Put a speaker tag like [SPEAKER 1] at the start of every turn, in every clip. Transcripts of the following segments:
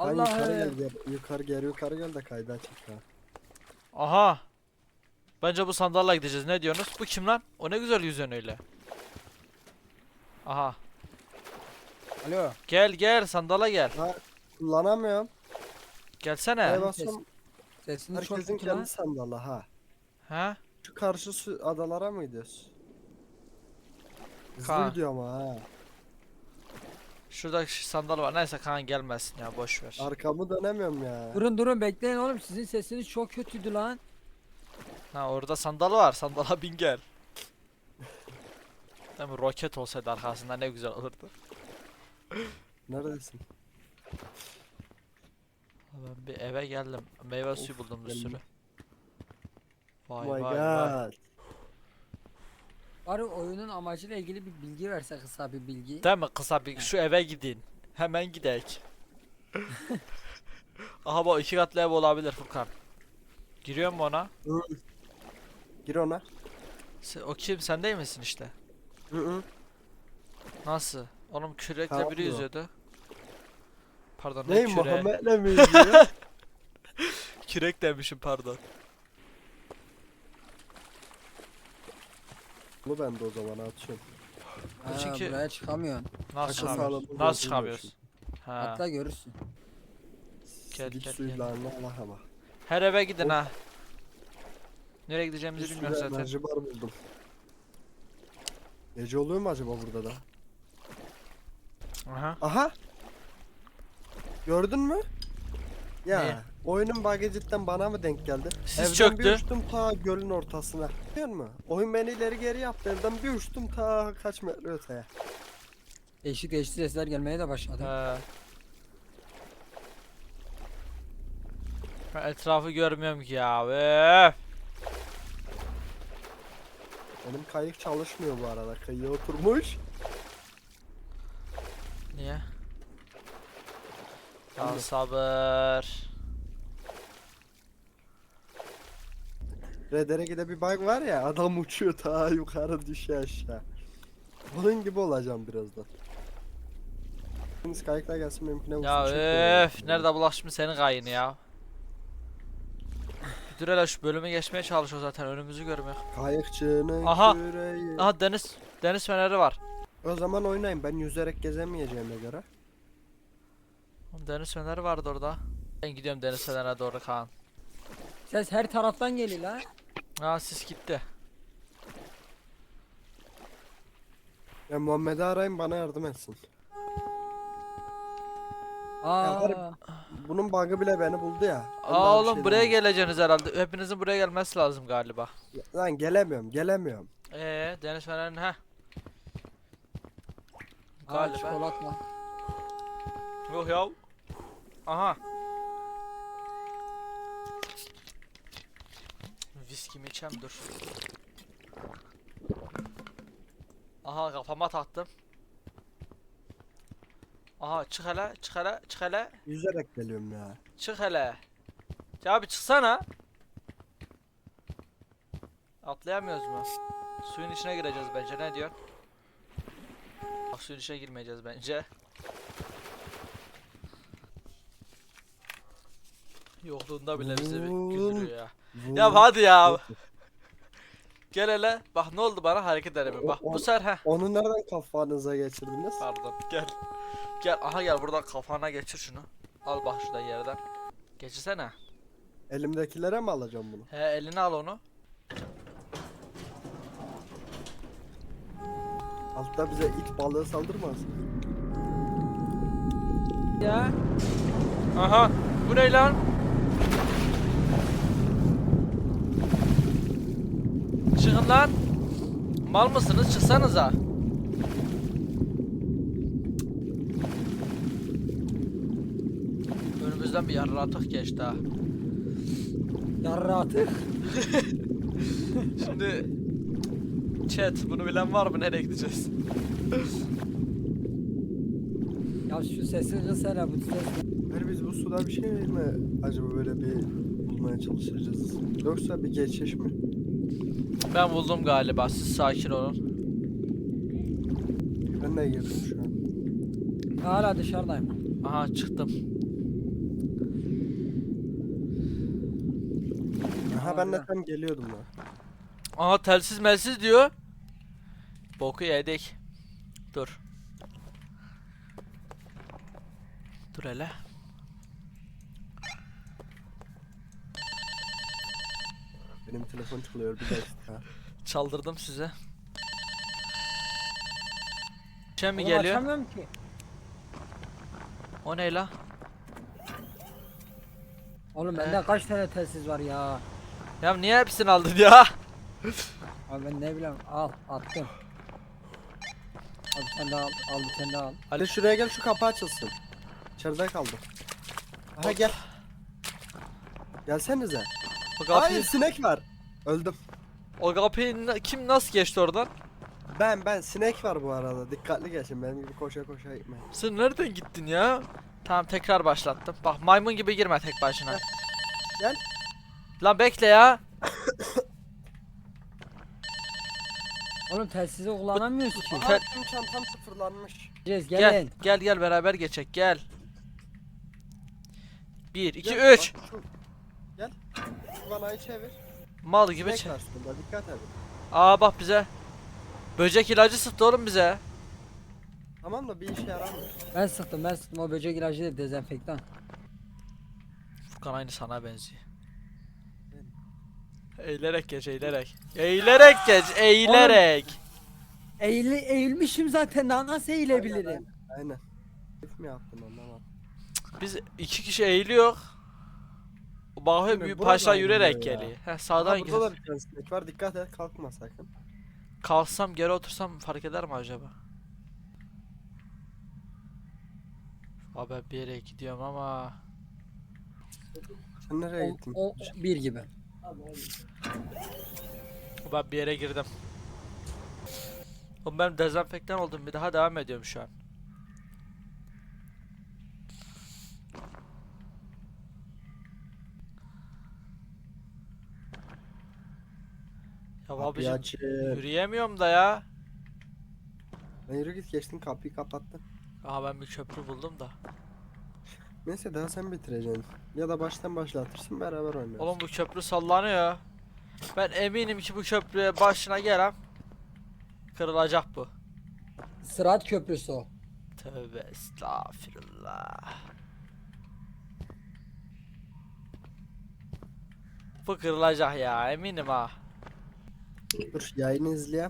[SPEAKER 1] Yukarı gel yukarı gel de kayda çık ha.
[SPEAKER 2] Aha. Bence bu sandalla gideceğiz. Ne diyorsunuz? Bu kim lan? O ne güzel yüzüyorsun öyle. Aha.
[SPEAKER 3] Alo.
[SPEAKER 2] Gel gel sandala gel.
[SPEAKER 1] Ha, kullanamıyorum.
[SPEAKER 2] Gelsene.
[SPEAKER 1] Hey basıyorum.
[SPEAKER 3] Sesini çok
[SPEAKER 1] Herkesin
[SPEAKER 3] kötü lan.
[SPEAKER 1] kendi sandalı ha.
[SPEAKER 2] Ha?
[SPEAKER 1] Şu karşı adalara mı gidiyoruz?
[SPEAKER 2] Kaan.
[SPEAKER 1] Hızlı gidiyor ama ha.
[SPEAKER 2] Şurada sandal var. Neyse Kaan gelmesin ya, boş ver.
[SPEAKER 1] Arkamı dönemiyorum ya.
[SPEAKER 3] Durun bekleyin oğlum, sizin sesiniz çok kötüydü lan.
[SPEAKER 2] Ha, orada sandal var. Sandala bin gel. Değil mi? Roket olsaydı arkasında ne güzel olurdu.
[SPEAKER 1] Neredesin?
[SPEAKER 2] Ben bir eve geldim. Meyve suyu buldum bir
[SPEAKER 1] geldim.
[SPEAKER 2] sürü.
[SPEAKER 1] Oh
[SPEAKER 2] Vay
[SPEAKER 1] my
[SPEAKER 2] vay vay.
[SPEAKER 1] god.
[SPEAKER 3] Bari oyunun amacıyla ilgili bir bilgi verse, kısa bir bilgi.
[SPEAKER 2] Değil mi? Kısa bir şu eve gidin. Hemen gidek. Aha, bu 2 katlı ev olabilir Furkan. Giriyor mu ona?
[SPEAKER 1] Hı. Gir ona.
[SPEAKER 2] O kim? Sen değil misin işte?
[SPEAKER 1] Hı.
[SPEAKER 2] Nasıl? Oğlum kürekle
[SPEAKER 1] Tamam
[SPEAKER 2] biri
[SPEAKER 1] mı?
[SPEAKER 2] yüzüyordu. Pardon,
[SPEAKER 1] Ney
[SPEAKER 2] küre.
[SPEAKER 1] Muhammed'le mi izliyor?
[SPEAKER 2] Kürek demişim, pardon.
[SPEAKER 1] Bunu ben de o zaman atıyorum.
[SPEAKER 3] Ha,
[SPEAKER 2] çünkü-
[SPEAKER 3] buraya çıkamıyorsun.
[SPEAKER 2] Nasıl
[SPEAKER 1] Akıl
[SPEAKER 2] çıkamıyoruz?
[SPEAKER 1] sağlığımı
[SPEAKER 2] Nasıl
[SPEAKER 1] bozulmuyor
[SPEAKER 2] çıkamıyoruz? Ha.
[SPEAKER 3] Atla görürsün.
[SPEAKER 2] Gel,
[SPEAKER 1] Silik
[SPEAKER 2] gel,
[SPEAKER 1] suyla Allah ama.
[SPEAKER 2] Her eve gidin
[SPEAKER 1] Of.
[SPEAKER 2] ha. Nereye
[SPEAKER 1] Bir
[SPEAKER 2] gideceğimizi
[SPEAKER 1] sürü
[SPEAKER 2] bilmiyoruz zaten.
[SPEAKER 1] enerji bar buldum. Gece oluyor mu acaba burada da?
[SPEAKER 2] Aha.
[SPEAKER 1] Aha! Gördün mü? Ya
[SPEAKER 2] Ne?
[SPEAKER 1] oyunun bug'ı cidden bana mı denk geldi?
[SPEAKER 2] Sis
[SPEAKER 1] Evden
[SPEAKER 2] çöktü.
[SPEAKER 1] bir uçtum ta gölün ortasına. Biliyor musun? Oyun beni ileri geri yaptı. Evden bir uçtum ta kaç metre öteye.
[SPEAKER 3] Değişik değişik sesler gelmeye de başladı.
[SPEAKER 2] He. Ben etrafı görmüyorum ki ya. Öf.
[SPEAKER 1] Benim kayık çalışmıyor bu arada. Kayığa oturmuş.
[SPEAKER 2] Niye? Ya
[SPEAKER 1] Bilmiyorum.
[SPEAKER 2] sabır.
[SPEAKER 1] Redere gide bir bug var ya, adam uçuyor ta yukarı düşüyor aşağı. Onun gibi olacağım birazdan. Şimdi kayıkla gelsin benimkine vursun.
[SPEAKER 2] Ya
[SPEAKER 1] çekmiyor.
[SPEAKER 2] öf. Nerede bulaşmış senin kayını ya? Bir dur hele, şu bölümü geçmeye çalışıyor zaten, önümüzü görmüyor.
[SPEAKER 1] Kayıkçının
[SPEAKER 2] Aha.
[SPEAKER 1] küreği.
[SPEAKER 2] Aha, deniz feneri var.
[SPEAKER 1] O zaman oynayın, ben yüzerek gezemeyeceğime göre.
[SPEAKER 2] Oğlum, deniz feneri vardı orada. Ben gidiyorum deniz fenerine doğru Kaan.
[SPEAKER 3] Ses her taraftan geliyor lan.
[SPEAKER 2] Aa, sis gitti.
[SPEAKER 1] Ya Muhammed'i arayın bana yardım etsin.
[SPEAKER 3] Aa,
[SPEAKER 1] Bunun bug'ı bile beni buldu ya. Ben
[SPEAKER 2] Aa
[SPEAKER 1] daha bir
[SPEAKER 2] oğlum,
[SPEAKER 1] şey
[SPEAKER 2] buraya
[SPEAKER 1] demiyorum.
[SPEAKER 2] geleceksiniz herhalde. Hepinizin buraya gelmesi lazım galiba.
[SPEAKER 1] Lan gelemiyorum.
[SPEAKER 2] Deniz fenerinin ha.
[SPEAKER 3] aa
[SPEAKER 2] Galiba.
[SPEAKER 3] çikolatla.
[SPEAKER 2] Yok ya. Aha. Viskimi içem, dur. Aha, kafama taktım. Aha, çık hele.
[SPEAKER 1] Yüzerek geliyorum ya.
[SPEAKER 2] Çık hele. Ya abi, çıksana. Atlayamıyoruz mu? Suyun içine gireceğiz bence, ne diyor? Bak, suyun içine girmeyeceğiz bence. Yokluğunda bile bizi bir güldürüyor ya. Ya hadi ya. Gel hele. Bak ne oldu bana, hareket edemiyorum. Bak bu sefer heh.
[SPEAKER 1] Onu nereden kafanıza geçirdiniz?
[SPEAKER 2] Pardon, gel. Gel, aha gel, buradan kafana geçir şunu. Al bak şuradan yerden. Geçirsene.
[SPEAKER 1] Elimdekilere mi alacağım bunu?
[SPEAKER 2] He, eline al onu.
[SPEAKER 1] Altta bize it balığı saldırmaz.
[SPEAKER 3] Ya
[SPEAKER 2] Aha. Bu ne lan? Çıkın lan. Mal mısınız? Çıksanıza. Önümüzden bir yarratık geçti ha.
[SPEAKER 3] yarra atık.
[SPEAKER 2] Şimdi chat, bunu bilen var mı? Nereye gideceğiz?
[SPEAKER 3] Ya şu sesi kız hele, bu ses.
[SPEAKER 1] Hayır, biz bu suda bir şey mi acaba böyle bir bulmaya çalışacağız? Yoksa bir geçiş mi?
[SPEAKER 2] Ben buldum galiba. Siz sakin olun.
[SPEAKER 1] Ben de girdim şu an.
[SPEAKER 3] Hala dışarıdayım.
[SPEAKER 2] Aha, çıktım.
[SPEAKER 1] Ha ben de
[SPEAKER 3] harbiden.
[SPEAKER 1] tam geliyordum lan.
[SPEAKER 2] Aha telsiz melsiz diyor. Boku yedik. Dur. Dur hele.
[SPEAKER 1] Benim telefon çalıyor bir dakika.
[SPEAKER 2] Çaldırdım size. Şey mi
[SPEAKER 3] Oğlum
[SPEAKER 2] geliyor?
[SPEAKER 3] açamıyorum ki.
[SPEAKER 2] O ne la?
[SPEAKER 3] Oğlum bende kaç tane telsiz var ya.
[SPEAKER 2] Ya niye hepsini aldın ya?
[SPEAKER 3] Abi ben ne bileyim al attım. Al bir tane daha al, al bir tane daha al.
[SPEAKER 1] Ali şuraya gel şu kapı açılsın. İçeride kaldım. Aha gel. Gelsenize.
[SPEAKER 2] O kapıyı,
[SPEAKER 1] Hayır sinek var. Öldüm.
[SPEAKER 2] o kapıyı kim nasıl geçti oradan?
[SPEAKER 1] Ben sinek var bu arada. Dikkatli geçin benim gibi koşa koşa gitmeyin.
[SPEAKER 2] Sen nereden gittin ya? Tamam tekrar başlattım. Bak maymun gibi girme tek başına.
[SPEAKER 1] Gel.
[SPEAKER 2] Lan bekle ya.
[SPEAKER 3] Oğlum telsizi kullanamıyoruz ki.
[SPEAKER 1] Aha tüm çantam sıfırlanmış.
[SPEAKER 3] Gideceğiz
[SPEAKER 2] Gel.
[SPEAKER 3] gelin.
[SPEAKER 2] Gel beraber geçek gel. 1 2
[SPEAKER 1] Gel,
[SPEAKER 2] 3.
[SPEAKER 1] bak gel. Şu vanayı çevir.
[SPEAKER 2] Mal gibi
[SPEAKER 1] Sinek var şurada dikkat edin.
[SPEAKER 2] Aa bak bize. Böcek ilacı sıktı oğlum bize.
[SPEAKER 1] Tamam da bir işe yaramıyor.
[SPEAKER 3] Ben sıktım o böcek ilacı değil dezenfektan.
[SPEAKER 2] Furkan aynı sana benziyor. Eğilerek geç eğilerek. Eğilerek geç eğilerek.
[SPEAKER 3] Eğilmişim zaten daha nasıl eğilebilirim?
[SPEAKER 1] Aynen. Hep mi yaptın anlamadım.
[SPEAKER 2] Biz iki kişi eğiliyor. Bakıyor
[SPEAKER 1] Şimdi
[SPEAKER 2] büyük
[SPEAKER 1] buradan
[SPEAKER 2] paşa yürüyerek
[SPEAKER 1] gidiyor ya.
[SPEAKER 2] geliyor. Heh
[SPEAKER 1] Aha,
[SPEAKER 2] sağdan
[SPEAKER 1] burada
[SPEAKER 2] gel.
[SPEAKER 1] da bir tane sinek var dikkat et kalkma sakın.
[SPEAKER 2] Kalksam geri otursam fark eder mi acaba? Abi ben bir yere gidiyorum ama.
[SPEAKER 1] Sen nereye gittin?
[SPEAKER 3] O bir gibi.
[SPEAKER 2] Ben bir yere girdim. Oğlum ben dezenfektan oldum bir daha devam ediyorum şu an. Ya
[SPEAKER 1] Kapıyı
[SPEAKER 2] abicim
[SPEAKER 1] açın.
[SPEAKER 2] yürüyemiyorum da ya.
[SPEAKER 1] Ben yürü git geçtin kapıyı kapattın.
[SPEAKER 2] Aha ben bir köprü buldum da.
[SPEAKER 1] Neyse daha sen bitireceksin. Ya da baştan başlatırsın beraber oynarız.
[SPEAKER 2] Oğlum bu köprü sallanıyor. Ben eminim ki bu köprüye başına gelen kırılacak bu.
[SPEAKER 3] Sırat köprüsü o.
[SPEAKER 2] Tövbe estağfirullah. Bu kırılacak ya eminim ha.
[SPEAKER 1] Dur yayını izleyen.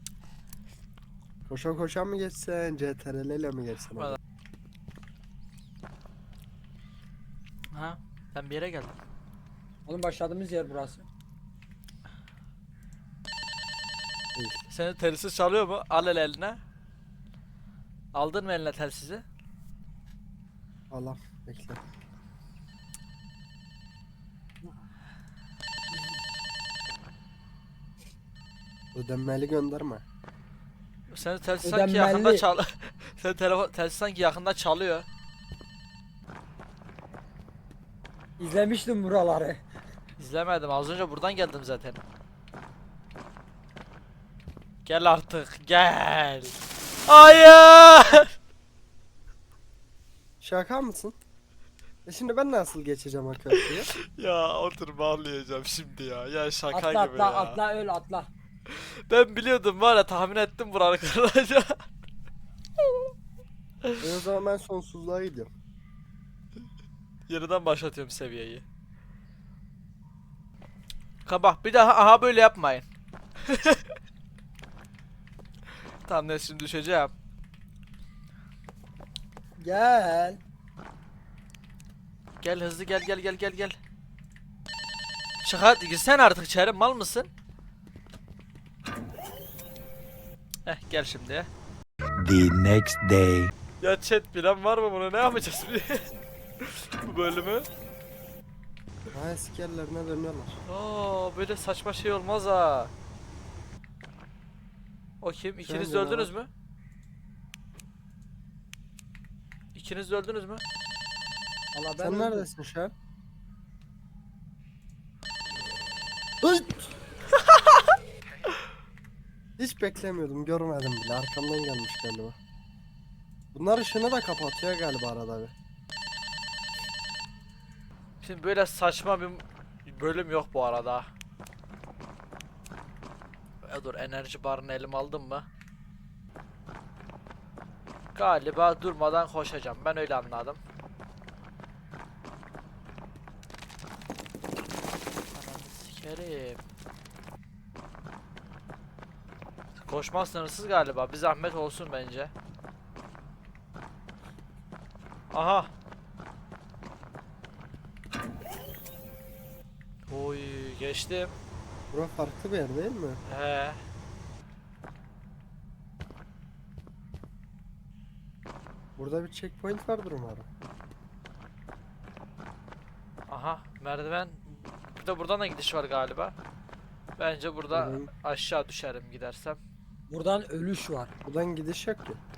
[SPEAKER 1] Koşa koşa mı geçsen, CTRL ile mi geçsen?
[SPEAKER 2] Valla. Ha? Ben bir yere geldim.
[SPEAKER 3] Oğlum başladığımız yer burası.
[SPEAKER 2] Senin telsiz çalıyor mu? Al el eline. Aldın mı eline telsizi?
[SPEAKER 1] Allah bekle. Ödenmeli gönderme.
[SPEAKER 2] Senin telsiz sanki yakında
[SPEAKER 3] Ödenmeli.
[SPEAKER 2] çal. Senin telsiz sanki yakında çalıyor.
[SPEAKER 3] İzlemiştim buraları.
[SPEAKER 2] İzlemedim. Az önce buradan geldim zaten. Gel artık. Gel. Hayır.
[SPEAKER 1] Şaka mısın? Şimdi ben nasıl geçeceğim o köprüyü?
[SPEAKER 2] Ya otur bağlayacağım şimdi ya. Ya şaka
[SPEAKER 3] Atla
[SPEAKER 2] gibi
[SPEAKER 3] atla
[SPEAKER 2] ya.
[SPEAKER 3] atla öl atla.
[SPEAKER 2] Ben biliyordum var ya tahmin ettim buranın kırılacağını.
[SPEAKER 1] O zaman ben sonsuzluğa gidiyorum.
[SPEAKER 2] Yeniden başlatıyorum seviyeyi. Kabah bir daha aha böyle yapmayın. Tamam ne şimdi düşeceğim.
[SPEAKER 3] Gel.
[SPEAKER 2] Gel hızlı gel. Çık hadi girsen artık içeri mal mısın? Gel şimdi.
[SPEAKER 4] The next day.
[SPEAKER 2] Ya chat bilen var mı bunu ne yapacağız bu bölümü?
[SPEAKER 1] Ha eski yerlerine dönüyorlar.
[SPEAKER 2] Aa böyle saçma şey olmaz ha. O kim? İkiniz de
[SPEAKER 1] Sen
[SPEAKER 2] öldünüz mü? İkiniz de öldünüz mü?
[SPEAKER 3] Allah ben
[SPEAKER 1] Sen
[SPEAKER 3] öldüm.
[SPEAKER 1] neredesin şu an? Ay! Hiç beklemiyordum, görmedim bile. Arkamdan gelmiş galiba. Bunlar ışığını da kapatıyor galiba arada bir.
[SPEAKER 2] Şimdi böyle saçma bir bölüm yok bu arada. Dur, enerji barını elim aldım mı? Galiba durmadan koşacağım. Ben öyle anladım. Ananı sikerim. Koşmak sınırsız galiba. Bir zahmet olsun bence. Aha. Oy, geçtim.
[SPEAKER 1] Bura farklı bir yer değil mi?
[SPEAKER 2] He.
[SPEAKER 1] Burada bir checkpoint vardır umarım.
[SPEAKER 2] Aha, merdiven. Bir de buradan da gidiş var galiba. Bence burada
[SPEAKER 1] Hı hı.
[SPEAKER 2] aşağı düşerim gidersem.
[SPEAKER 3] Buradan ölüş var.
[SPEAKER 1] Buradan gidiş yok ki.